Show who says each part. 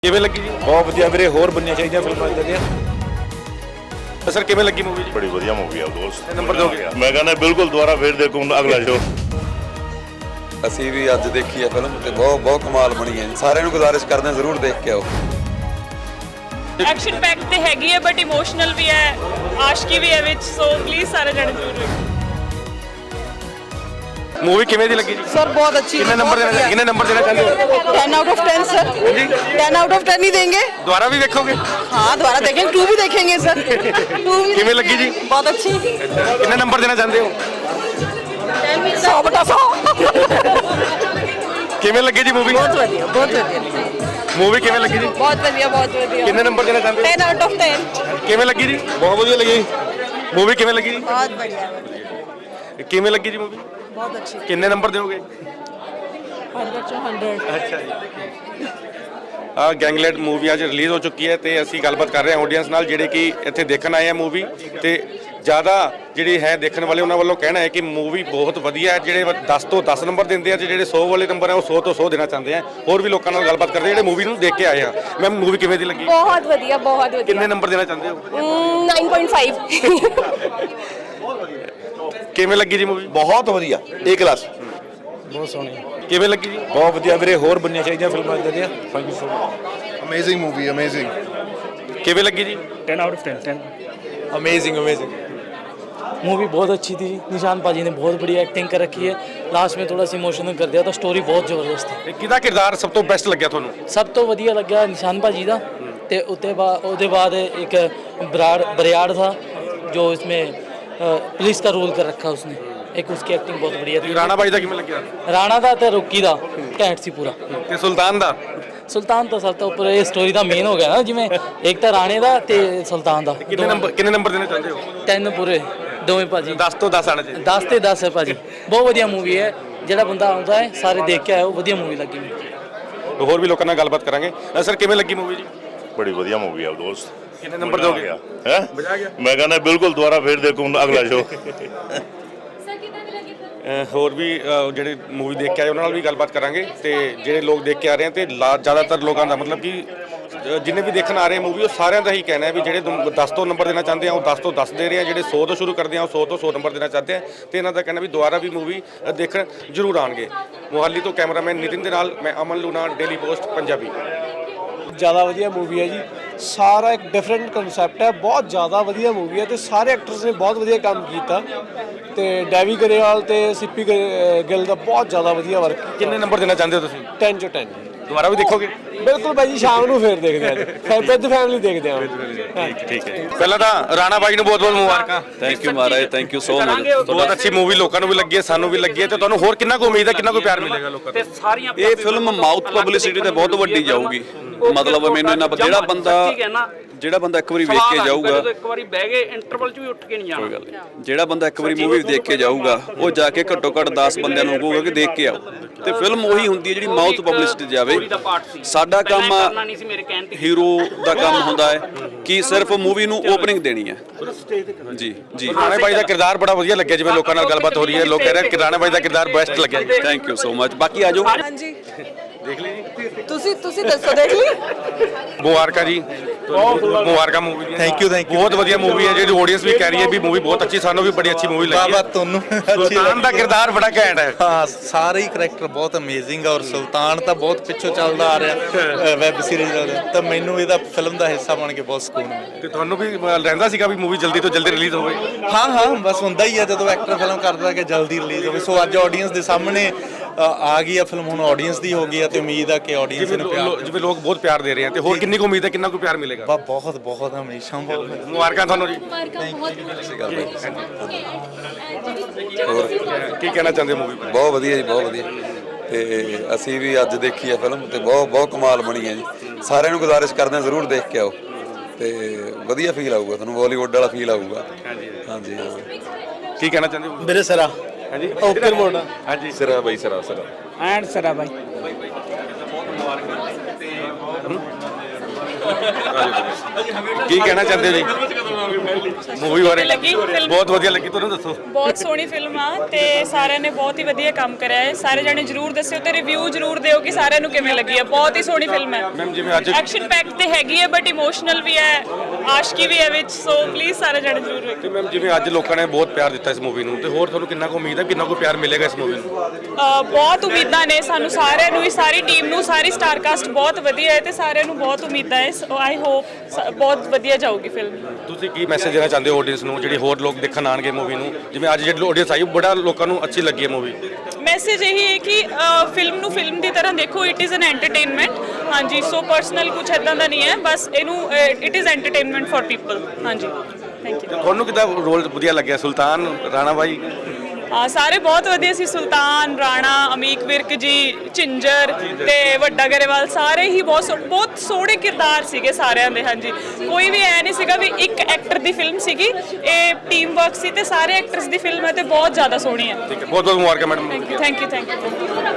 Speaker 1: ਕਿਵੇਂ ਲੱਗੀ ਜੀ?
Speaker 2: ਬਹੁਤ ਵਧੀਆ ਵੀਰੇ, ਹੋਰ ਬਣਨੀਆਂ ਚਾਹੀਦੀਆਂ ਫਿਲਮਾਂ ਇਦਾਂ ਦੀਆਂ।
Speaker 1: ਸਰ ਕਿਵੇਂ ਲੱਗੀ ਮੂਵੀ ਜੀ?
Speaker 3: ਬੜੀ ਵਧੀਆ ਮੂਵੀ ਆ ਦੋਸਤ।
Speaker 1: ਨੰਬਰ ਦੋਗੇ?
Speaker 3: ਮੈਂ ਕਹਿੰਦਾ ਬਿਲਕੁਲ ਦੁਬਾਰਾ ਫੇਰ ਦੇਖੂੰ ਅਗਲਾ ਸ਼ੋ।
Speaker 4: ਅਸੀਂ ਵੀ ਅੱਜ ਦੇਖੀ ਹੈ ਫਿਲਮ ਤੇ ਬਹੁਤ ਕਮਾਲ ਬਣੀ ਹੈ। ਸਾਰਿਆਂ ਨੂੰ ਗੁਜ਼ਾਰਿਸ਼ ਕਰਦੇ ਹਾਂ ਜ਼ਰੂਰ ਦੇਖ ਕੇ ਆਓ।
Speaker 5: ਐਕਸ਼ਨ ਪੈਕ ਤੇ ਹੈਗੀ ਹੈ ਬਟ ਇਮੋਸ਼ਨਲ ਵੀ ਹੈ, ਆਸ਼ਕੀ ਵੀ ਹੈ ਵਿੱਚ, ਸੋ ਪਲੀਜ਼ ਸਾਰੇ ਜਣੇ ਜ਼ਰੂਰ ਵੇਖੋ।
Speaker 1: ਮੂਵੀ ਕਿਵੇਂ ਦੀ ਲੱਗੀ ਜੀ?
Speaker 6: सर बहुत अच्छी
Speaker 1: ਕਿੰਨੇ ਨੰਬਰ ਦੇਣਾ ਚਾਹੁੰਦੇ ਹੋ?
Speaker 6: 10 out of 10 sir. 10 out of 10 ही देंगे।
Speaker 1: ਦੁਬਾਰਾ ਵੀ ਵੇਖੋਗੇ?
Speaker 6: हाँ दोबारा देखेंगे, 2 भी देखेंगे सर। 2 भी
Speaker 1: ਕਿਵੇਂ ਲੱਗੀ ਜੀ?
Speaker 6: बहुत अच्छी।
Speaker 1: ਕਿੰਨੇ ਨੰਬਰ ਦੇਣਾ ਚਾਹੁੰਦੇ ਹੋ?
Speaker 6: 100 बटा 100।
Speaker 1: ਕਿਵੇਂ ਲੱਗੀ ਜੀ ਮੂਵੀ?
Speaker 6: बहुत बढ़िया, बहुत बढ़िया,
Speaker 1: ਮੂਵੀ ਕਿਵੇਂ ਲੱਗੀ ਜੀ?
Speaker 6: बहुत बढ़िया, बहुत बढ़िया।
Speaker 1: ਕਿੰਨੇ ਨੰਬਰ ਦੇਣਾ ਚਾਹੁੰਦੇ
Speaker 6: 10 आउट ऑफ 10।
Speaker 1: ਹੋ? ਕਿਵੇਂ ਲੱਗੀ ਜੀ? ਬਹੁਤ ਵਧੀਆ ਲੱਗੀ। ਮੂਵੀ ਕਿਵੇਂ ਲੱਗੀ ਜੀ?
Speaker 6: बहुत बढ़िया,
Speaker 1: ਕਿਵੇਂ ਲੱਗੀ ਜੀ ਮੂਵੀ?
Speaker 6: बहुत अच्छी।
Speaker 1: ਕਿੰਨੇ ਨੰਬਰ ਦਿਓਗੇ?
Speaker 6: 100 100।
Speaker 1: ਅੱਛਾ ਜੀ। ਗੈਂਗਲੈਟ ਮੂਵੀ ਅੱਜ ਰਿਲੀਜ਼ ਹੋ ਚੁੱਕੀ ਹੈ ਤੇ ਅਸੀਂ ਗੱਲਬਾਤ ਕਰ ਰਹੇ ਹਾਂ ਆਡੀਅנס ਨਾਲ ਜਿਹੜੇ ਕਿ ਇੱਥੇ ਦੇਖਣ ਆਏ ਆ ਮੂਵੀ। ਤੇ ਜ਼ਿਆਦਾ ਜਿਹੜੀ ਹੈ ਦੇਖਣ ਵਾਲੇ ਉਹਨਾਂ ਵੱਲੋਂ ਕਹਿਣਾ ਹੈ ਕਿ ਮੂਵੀ ਬਹੁਤ ਵਧੀਆ ਹੈ। ਜਿਹੜੇ 10 ਤੋਂ 10 ਨੰਬਰ ਦਿੰਦੇ ਆ ਤੇ ਜਿਹੜੇ 100 ਵਾਲੇ ਨੰਬਰ ਆ ਉਹ 100 ਤੋਂ 100 ਦੇਣਾ ਚਾਹੁੰਦੇ ਆ। ਹੋਰ ਵੀ ਲੋਕਾਂ ਨਾਲ ਗੱਲਬਾਤ ਕਰਦੇ ਜਿਹੜੇ ਮੂਵੀ ਨੂੰ ਦੇਖ ਕੇ ਆਏ ਆ। ਮੈਮ ਮੂਵੀ ਕਿਵੇਂ ਦੀ ਲੱਗੀ?
Speaker 7: बहुत वधिया, बहुत वधिया।
Speaker 1: ਕਿੰਨੇ ਨੰਬਰ ਦੇਣਾ ਚਾਹੁੰਦੇ ਹੋ?
Speaker 7: 9.5।
Speaker 1: ਕਿਵੇਂ ਲੱਗੀ ਜੀ ਮੂਵੀ?
Speaker 2: ਬਹੁਤ ਵਧੀਆ, ਏ ਕਲਾਸ।
Speaker 8: ਬਹੁਤ ਸੋਹਣੀ,
Speaker 1: ਕਿਵੇਂ ਲੱਗੀ ਜੀ?
Speaker 2: ਬਹੁਤ ਵਧੀਆ ਵੀਰੇ, ਹੋਰ ਬਣਨੀਆਂ ਚਾਹੀਦੀਆਂ ਫਿਲਮਾਂ ਇਦਾਂ ਦੀਆਂ। Thank you so much.
Speaker 8: Amazing movie, amazing.
Speaker 1: ਕਿਵੇਂ ਲੱਗੀ ਜੀ?
Speaker 8: 10 out of 10।
Speaker 2: Amazing amazing.
Speaker 9: Movie बहुत अच्छी थी। निशान पाजी ने बहुत बढ़िया एक्टिंग कर रखी है। लास्ट में थोड़ा सा इमोशनल कर दिया था। स्टोरी बहुत ਜ਼ਬਰਦਸਤ है।
Speaker 1: ਤੇ ਕਿਹਦਾ ਕਿਰਦਾਰ ਸਭ ਤੋਂ ਬੈਸਟ ਲੱਗਿਆ ਤੁਹਾਨੂੰ?
Speaker 9: ਸਭ ਤੋਂ ਵਧੀਆ ਲੱਗਿਆ ਨਿਸ਼ਾਨ ਭਾਜੀ ਦਾ। ਤੇ ਉਹਦੇ ਬਾਅਦ एक बरियाड़ था जो इसमें पुलिस का रोल कर रखा उसने। एक उसकी एक्टिंग बहुत बढ़िया थी।
Speaker 1: ਰਾਣਾ ਬਾਈ ਦਾ ਕਿਵੇਂ ਲੱਗਿਆ?
Speaker 9: ਰਾਣਾ ਦਾ ਤੇ ਰੋਕੀ ਦਾ ਘੈਂਟ ਸੀ ਪੂਰਾ।
Speaker 1: ਤੇ ਸੁਲਤਾਨ ਦਾ?
Speaker 9: ਸੁਲਤਾਨ ਤਾਂ ਸਭ ਤੋਂ ਉੱਪਰ ਇਹ ਸਟੋਰੀ ਦਾ ਮੇਨ ਹੋ ਗਿਆ ਨਾ, ਜਿਵੇਂ ਇੱਕ ਤਾਂ ਰਾਣੇ ਦਾ ਤੇ ਸੁਲਤਾਨ ਦਾ।
Speaker 1: ਕਿੰਨੇ ਨੰਬਰ ਦੇਣਾ ਚਾਹੁੰਦੇ ਹੋ?
Speaker 9: 10 ਪੂਰੇ ਦੋਵੇਂ ਭਾਜੀ।
Speaker 1: 10 ਤੋਂ 10 ਆਣਾ ਚਾਹੀਦਾ।
Speaker 9: 10 ਤੇ 10 ਹੈ ਭਾਜੀ। ਬਹੁਤ ਵਧੀਆ ਮੂਵੀ ਹੈ। ਜਿਹੜਾ ਬੰਦਾ ਆਉਂਦਾ ਹੈ ਸਾਰੇ ਦੇਖ ਕੇ ਆਇਓ, ਵਧੀਆ ਮੂਵੀ ਲੱਗੀ ਮੈਨੂੰ।
Speaker 1: ਹੋਰ ਵੀ ਲੋਕਾਂ ਨਾਲ ਗੱਲਬਾਤ ਕਰਾਂਗੇ। ਸਰ ਕਿਵੇਂ ਲੱਗੀ ਮੂਵੀ ਜੀ?
Speaker 3: ਬੜੀ ਵਧੀਆ ਮੂਵੀ ਆ ਦੋਸਤ।
Speaker 1: ਕਿੰਨੇ ਨੰਬਰ ਦੋਗੇ?
Speaker 3: ਹੈ
Speaker 1: ਮਜ਼ਾ ਆ ਗਿਆ।
Speaker 3: ਮੈਂ ਕਹਿੰਦਾ ਬਿਲਕੁਲ ਦੁਬਾਰਾ ਫੇਰ ਦੇਖੂੰ ਅਗਲਾ ਸ਼ੋ।
Speaker 1: ਹੋਰ ਵੀ ਜਿਹੜੇ ਮੂਵੀ ਦੇਖ ਕੇ ਆਏ ਉਹਨਾਂ ਨਾਲ ਵੀ ਗੱਲਬਾਤ ਕਰਾਂਗੇ ਤੇ ਜਿਹੜੇ ਲੋਕ ਦੇਖ ਕੇ ਆ ਰਹੇ ਆ ਤੇ ਜ਼ਿਆਦਾਤਰ ਲੋਕਾਂ ਦਾ ਮਤਲਬ ਕਿ ਜਿੰਨੇ ਵੀ ਦੇਖਣ ਆ ਰਹੇ ਮੂਵੀ ਉਹ ਸਾਰਿਆਂ ਦਾ ਹੀ ਕਹਿਣਾ ਹੈ ਵੀ ਜਿਹੜੇ 10 ਤੋਂ ਨੰਬਰ ਦੇਣਾ ਚਾਹੁੰਦੇ ਆ ਉਹ 10 ਤੋਂ 10 ਦੇ ਰਹੇ ਆ। ਜਿਹੜੇ 100 ਤੋਂ ਸ਼ੁਰੂ ਕਰਦੇ ਆ ਉਹ 100 ਤੋਂ 100 ਨੰਬਰ ਦੇਣਾ ਚਾਹਤੇ ਆ ਤੇ ਇਹਨਾਂ ਦਾ ਕਹਿਣਾ ਵੀ ਦੁਬਾਰਾ ਵੀ ਮੂਵੀ ਦੇਖਣ ਜ਼ਰੂਰ ਆਣਗੇ। ਮੋਹਾਲੀ ਤੋਂ ਕੈਮਰਾਮੈਨ ਨਿਤਿਨ ਦੇ ਨਾਲ ਮੈਂ ਅਮਨ ਲੂਣਾ, ਡੇਲੀ ਪੋਸਟ ਪੰਜਾਬੀ।
Speaker 8: ਜ਼ਿਆਦਾ ਵਧੀਆ ਮੂਵੀ ਹੈ ਜੀ। ਸਾਰਾ ਇੱਕ ਡਿਫਰੈਂਟ ਕਨਸੈਪਟ ਹੈ। ਬਹੁਤ ਜ਼ਿਆਦਾ ਵਧੀਆ ਮੂਵੀ ਹੈ ਤੇ ਸਾਰੇ ਐਕਟਰਸ ਨੇ ਬਹੁਤ ਵਧੀਆ ਕੰਮ ਕੀਤਾ ਤੇ ਡੈਵੀ ਗਰੇਵਾਲ ਤੇ ਸਿੱਪੀ ਗਿੱਲ ਦਾ ਬਹੁਤ ਜ਼ਿਆਦਾ ਵਧੀਆ ਵਰਕ।
Speaker 1: ਕਿੰਨੇ ਨੰਬਰ ਦੇਣਾ ਚਾਹੁੰਦੇ ਹੋ ਤੁਸੀਂ?
Speaker 8: 10 ਚੋਂ 10।
Speaker 1: ਦੁਬਾਰਾ ਵੀ ਦੇਖੋਗੇ?
Speaker 8: ਬਿਲਕੁਲ ਭਾਈ ਜੀ, ਸ਼ਾਮ ਨੂੰ ਫੇਰ ਦੇਖਦੇ ਆ। ਫਿਰ ਵਿਦ ਫੈਮਿਲੀ ਦੇਖਦੇ ਆ।
Speaker 1: ਠੀਕ ਹੈ। ਪਹਿਲਾਂ ਤਾਂ ਰਾਣਾ ਬਾਈ ਨੂੰ ਬਹੁਤ ਬਹੁਤ ਮੁਬਾਰਕਾਂ।
Speaker 4: ਥੈਂਕ ਯੂ ਮਹਾਰਾਜ, ਥੈਂਕ ਯੂ ਸੋ ਮਚ।
Speaker 1: ਬਹੁਤ ਅੱਛੀ ਮੂਵੀ ਲੋਕਾਂ ਨੂੰ ਵੀ ਲੱਗੀ ਹੈ, ਸਾਨੂੰ ਵੀ ਲੱਗੀ ਹੈ ਤੇ ਤੁਹਾਨੂੰ ਹੋਰ ਕਿੰਨਾ ਕੁ ਉਮੀਦ ਹੈ, ਕਿੰਨਾ ਕੁ ਪਿਆਰ ਮਿਲੇਗਾ ਲੋਕਾਂ ਤੋਂ?
Speaker 4: ਇਹ ਫਿਲਮ ਮਾਊਥ ਪਬਲਿਸਿਟੀ ਤੇ ਬਹੁਤ ਵੱਡੀ ਜਾਊਗੀ। ਮਤਲਬ ਮੈਨੂੰ ਇਹਨਾਂ ਜਿਹੜਾ ਬੰਦਾ ਇੱਕ ਵਾਰੀ ਵੇਖ ਕੇ ਜਾਊਗਾ,
Speaker 10: ਇੱਕ ਵਾਰੀ ਬਹਿ ਗਏ ਇੰਟਰਵਲ 'ਚ ਵੀ ਉੱਠ ਕੇ ਨਹੀਂ ਜਾਣਾ।
Speaker 4: ਕੋਈ ਗੱਲ ਨਹੀਂ, ਜਿਹੜਾ ਬੰਦਾ ਇੱਕ ਵਾਰੀ ਮੂਵੀ ਦੇਖ ਕੇ ਜਾਊਗਾ ਉਹ ਜਾ ਕੇ ਘੱਟੋ ਘੱਟ 10 ਬੰਦਿਆਂ ਨੂੰ ਕਹੂਗਾ ਕਿ ਦੇਖ ਕੇ ਆਓ। ਤੇ ਫਿਲਮ ਉਹੀ ਹੁੰਦੀ ਹੈ ਜਿਹੜੀ ਮਾਊਥ ਪਬਲਿਸਿਟੀ ਜਾਵੇ। ਸਾਡਾ ਕੰਮ ਹੀਰੋ ਦਾ ਕੰਮ ਹੁੰਦਾ ਹੈ ਕਿ ਸਿਰਫ ਮੂਵੀ ਨੂੰ ਓਪਨਿੰਗ ਦੇਣੀ ਹੈ। ਜੀ ਜੀ।
Speaker 1: ਰਾਣਾ ਬਾਈ ਦਾ ਕਿਰਦਾਰ ਬੜਾ ਵਧੀਆ ਲੱਗਿਆ। ਜਿਵੇਂ ਲੋਕਾਂ ਨਾਲ ਗੱਲਬਾਤ ਹੋ ਰਹੀ ਹੈ, ਲੋਕ ਕਹਿ ਰਹੇ ਕਿ ਰਾਣਾ ਬਾਈ ਦਾ ਕਿਰਦਾਰ ਬੈਸਟ ਲੱਗਿਆ।
Speaker 4: Thank you so much. ਬਾਕੀ ਆ ਜਾਓ।
Speaker 6: ਹਾਂਜੀ ਦੇਖ ਲਈ ਜੀ। ਤੁਸੀਂ ਦੱਸੋ, ਦੇਖ ਲਈ?
Speaker 1: ਮੁਬਾਰਕਾਂ ਜੀ, ਮੁਬਾਰਕਾਂ ਮੂਵੀ ਦੀਆਂ।
Speaker 2: ਥੈਂਕ ਯੂ
Speaker 1: ਬਹੁਤ ਵਧੀਆ ਮੂਵੀ ਹੈ। ਜਿਹੜੀ ਆਡੀਅנס ਵੀ ਕਹਿ ਰਹੀ ਹੈ ਵੀ ਮੂਵੀ ਬਹੁਤ ਅੱਛੀ, ਸਾਨੂੰ ਵੀ ਬੜੀ ਅੱਛੀ ਮੂਵੀ ਲੱਗੀ ਹੈ।
Speaker 2: ਤੁਹਾਨੂੰ
Speaker 1: ਸੁਲਤਾਨ ਦਾ ਕਿਰਦਾਰ ਬੜਾ ਘੈਂਟ ਹੈ।
Speaker 2: ਹਾਂ, ਸਾਰੇ ਹੀ ਕਰੈਕਟਰ ਬਹੁਤ ਅਮੇਜ਼ਿੰਗ ਆ ਔਰ ਸੁਲਤਾਨ ਤਾਂ ਬਹੁਤ ਪਿੱਛੋਂ ਚੱਲਦਾ ਆ ਰਿਹਾ ਵੈਬ ਸੀਰੀਜ਼ ਦਾ। ਤਾਂ ਮੈਨੂੰ ਇਹਦਾ ਫਿਲਮ ਦਾ ਹਿੱਸਾ ਬਣ ਕੇ ਬਹੁਤ ਸਕੂਨ ਮਿਲਿਆ।
Speaker 1: ਤੇ ਤੁਹਾਨੂੰ ਵੀ ਰਹਿੰਦਾ ਸੀਗਾ ਵੀ ਮੂਵੀ ਜਲਦੀ ਤੋਂ ਜਲਦੀ ਰਿਲੀਜ਼ ਹੋਵੇ?
Speaker 2: ਹਾਂ, ਬਸ ਹੁੰਦਾ ਹੀ ਆ ਜਦੋਂ ਐਕਟਰ ਫਿਲਮ ਕਰਦਾ ਕਿ ਜਲਦੀ ਰਿਲੀਜ਼ ਹੋਵੇ। ਸੋ ਅੱਜ ਆਡੀਅנס ਦੇ ਸਾਹਮਣੇ ਆ ਗਈ ਆ ਫਿਲਮ, ਹੁਣ ਆਡੀਅנס ਦੀ ਹੋ ਗਈ ਆ ਤੇ ਉਮੀਦ ਆ ਕਿ ਆਡੀਅנס ਨੂੰ ਪਿਆਰ,
Speaker 1: ਜਿਵੇਂ ਲੋਕ ਬਹੁਤ ਪਿਆਰ ਦੇ ਰਹੇ ਆ ਤੇ ਹੋਰ ਕਿੰਨੀ ਕੁ ਉਮੀਦ ਹੈ, ਕਿੰਨਾ ਕੁ ਪਿਆਰ ਮਿਲੇਗਾ?
Speaker 2: ਬਹੁਤ ਬਹੁਤ ਹਮੇਸ਼ਾ ਬਹੁਤ।
Speaker 1: ਮੁਬਾਰਕਾਂ ਤੁਹਾਨੂੰ ਜੀ।
Speaker 4: ਹੋਰ
Speaker 1: ਕੀ ਕਹਿਣਾ ਚਾਹੁੰਦੇ ਹੋ ਮੂਵੀ ਬਾਰੇ?
Speaker 4: ਬਹੁਤ ਵਧੀਆ ਜੀ, ਬਹੁਤ ਵਧੀਆ। ਤੇ ਅਸੀਂ ਵੀ ਅੱਜ ਦੇਖੀ ਹੈ ਫਿਲਮ ਤੇ ਬਹੁਤ ਕਮਾਲ ਬਣੀ ਹੈ ਜੀ। ਸਾਰਿਆਂ ਨੂੰ ਗੁਜ਼ਾਰਿਸ਼ ਕਰਦੇ ਹਾਂ ਜ਼ਰੂਰ ਦੇਖ ਕੇ ਆਓ ਤੇ ਵਧੀਆ ਫੀਲ ਆਊਗਾ ਤੁਹਾਨੂੰ, ਬਾਲੀਵੁੱਡ ਵਾਲਾ ਫੀਲ ਆਊਗਾ। ਹਾਂਜੀ ਹਾਂ।
Speaker 1: ਕੀ ਕਹਿਣਾ ਚਾਹੁੰਦੇ ਹੋ?
Speaker 8: ਮੇਰੇ ਸਰਾ
Speaker 1: ਹਾਂਜੀ
Speaker 8: ਓਕੇ ਮੋੜ।
Speaker 1: ਹਾਂਜੀ
Speaker 4: ਸਿਰਾ ਬਾਈ, ਸਿਰਾ
Speaker 8: ਐਂਡ ਸਰਾ ਬਾਈ।
Speaker 1: ਕੀ ਕਹਿਣਾ ਚਾਹੁੰਦੇ ਹੋ ਜੀ? ਮੂਵੀ ਬਾਰੇ
Speaker 5: ਲੱਗੀ ਫਿਲਮ?
Speaker 1: ਬਹੁਤ ਵਧੀਆ ਲੱਗੀ, ਤੁਹਾਨੂੰ ਦੱਸੋ।
Speaker 5: ਬਹੁਤ ਸੋਹਣੀ ਫਿਲਮ ਆ ਤੇ ਸਾਰਿਆਂ ਨੇ ਬਹੁਤ ਹੀ ਵਧੀਆ ਕੰਮ ਕਰਿਆ ਹੈ। ਸਾਰੇ ਜਣੇ ਜਰੂਰ ਦੱਸਿਓ ਤੇ ਰਿਵਿਊ ਜਰੂਰ ਦਿਓ ਕਿ ਸਾਰਿਆਂ ਨੂੰ ਕਿਵੇਂ ਲੱਗੀ ਹੈ। ਬਹੁਤ ਹੀ ਸੋਹਣੀ ਫਿਲਮ ਹੈ
Speaker 1: ਮੈਮ ਜਿਵੇਂ ਅੱਜ
Speaker 5: ਐਕਸ਼ਨ ਪੈਕ ਤੇ ਹੈਗੀ ਹੈ ਬਟ ਇਮੋਸ਼ਨਲ ਵੀ ਹੈ, ਆਸ਼ਕੀ ਵੀ ਹੈ ਵਿੱਚ, ਸੋ ਪਲੀਜ਼ ਸਾਰੇ ਜਣੇ ਜਰੂਰ ਵੇਖੋ।
Speaker 1: ਤੇ ਮੈਮ ਜਿਵੇਂ ਅੱਜ ਲੋਕਾਂ ਨੇ ਬਹੁਤ ਪਿਆਰ ਦਿੱਤਾ ਇਸ ਮੂਵੀ ਨੂੰ, ਤੇ ਹੋਰ ਤੁਹਾਨੂੰ ਕਿੰਨਾ ਕੁ ਉਮੀਦ ਹੈ ਕਿੰਨਾ ਕੁ ਪਿਆਰ ਮਿਲੇਗਾ ਇਸ ਮੂਵੀ ਨੂੰ?
Speaker 5: ਬਹੁਤ ਉਮੀਦਾਂ ਨੇ ਸਾਨੂੰ ਸਾਰਿਆਂ ਨੂੰ, ਸਾਰੀ ਟੀਮ ਨੂੰ, ਸਾਰੀ ਸਟਾਰ ਕਾਸਟ ਬਹੁਤ ਵਧੀਆ ਹੈ ਤੇ ਸਾਰਿਆਂ ਨੂੰ ਬਹੁਤ ਉਮੀਦਾਂ ਹੈ। ਸੋ ਆਈ ਹੋਪ ਬਹੁਤ ਵਧੀਆ ਜਾਊਗੀ ਫਿਲਮ।
Speaker 1: ਤੁਸੀਂ ਕੀ ਮੈਸੇਜ ਦੇਣਾ ਚਾਹੁੰਦੇ ਹੋ ਆਡੀਅנס ਨੂੰ, ਜਿਹੜੀ ਹੋਰ ਲੋਕ ਦੇਖਣ ਆਣਗੇ ਮੂਵੀ ਨੂੰ? ਜਿਵੇਂ ਅੱਜ ਜਿਹੜੀ ਆਡੀਅנס ਆਈ ਬੜਾ ਲੋਕਾਂ ਨੂੰ ਅੱਛੀ ਲੱਗੀ ਹੈ ਮੂਵੀ।
Speaker 5: ਮੈਸੇਜ ਇਹੀ ਹੈ ਕਿ ਫਿਲਮ ਨੂੰ ਫਿਲਮ ਦੀ ਤਰ੍ਹਾਂ ਦੇਖੋ, ਇਟ ਇਜ਼ ਐਨ ਐਂਟਰਟੇਨਮੈਂਟ। ਹਾਂਜੀ, ਸੋ ਪਰਸਨਲ ਕੁਝ ਇਦਾਂ ਦਾ ਨਹੀਂ ਹੈ, ਬਸ ਇਹਨੂੰ it is entertainment for people. ਹਾਂਜੀ, ਥੈਂਕ ਯੂ।
Speaker 1: ਤੁਹਾਨੂੰ ਕਿੱਦਾਂ ਰੋਲ ਵਧੀਆ ਲੱਗਿਆ? ਸੁਲਤਾਨ ਰਾਣਾ ਬਾਈ
Speaker 5: ਸਾਰੇ ਬਹੁਤ ਵਧੀਆ ਸੀ, ਸੁਲਤਾਨ, ਰਾਣਾ, ਅਮੀਕ ਵਿਰਕ ਜੀ, ਝਿੰਜਰ ਤੇ ਵੱਡਾ ਗਰੇਵਾਲ, ਸਾਰੇ ਹੀ ਬਹੁਤ ਸੋਹਣੇ ਕਿਰਦਾਰ ਸੀਗੇ ਸਾਰਿਆਂ ਦੇ। ਹਾਂਜੀ, ਕੋਈ ਵੀ ਐ ਨਹੀਂ ਸੀਗਾ ਵੀ ਇੱਕ ਐਕਟਰ ਦੀ ਫਿਲਮ ਸੀਗੀ, ਇਹ ਟੀਮ ਵਰਕ ਸੀ ਤੇ ਸਾਰੇ ਐਕਟਰਸ ਦੀ ਫਿਲਮ ਹੈ ਤੇ ਬਹੁਤ ਜ਼ਿਆਦਾ ਸੋਹਣੀ ਹੈ।
Speaker 1: ਠੀਕ ਹੈ, ਬਹੁਤ ਬਹੁਤ ਮੁਬਾਰਕਾਂ ਮੈਡਮ।
Speaker 5: Thank you.